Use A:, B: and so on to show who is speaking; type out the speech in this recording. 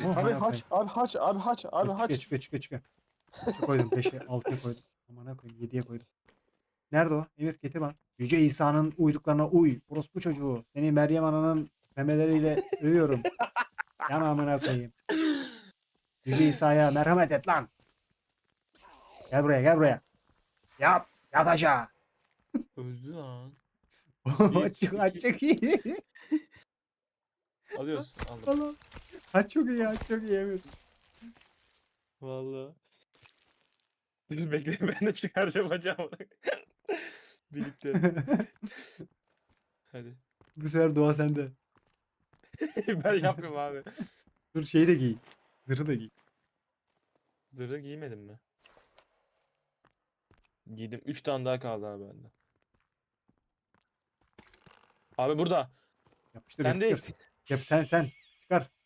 A: Oh,
B: Abi
A: amına
B: haç,
A: koyayım.
B: abi haç, abi haç, abi
A: Dur,
B: haç.
A: çıkıyor. 5'e koydum. 5'e 6'ya koydum. Amına koyayım 7'ye koydum. Nerede o? Emir getir bana. Yüce İsa'nın uyduklarına uy. Orospu çocuğu. Seni Meryem Ana'nın memeleriyle övüyorum. Yan amına koyayım. Yüce İsa'ya merhamet et lan. Gel buraya gel buraya. Yat. Yat aşağı.
C: Öldü lan.
A: Açık
C: iki.
A: açık iyi.
C: Alıyorsun. Aldım.
A: Allah. Aç çok iyi aç çok iyi Emir.
C: Vallahi. Dur bekle ben de çıkaracağım bacağımı. Birlikte. Hadi.
A: Bu sefer dua sende.
C: Ben yapmıyorum abi.
A: Dur şeyi de giy. Zırhı da giy.
C: Zırhı giymedim mi? Giydim. 3 tane daha kaldı abi bende. Abi burada.
A: Yapıştır yapıştır.
C: Sendeyiz.
A: Yap sen. Çıkar.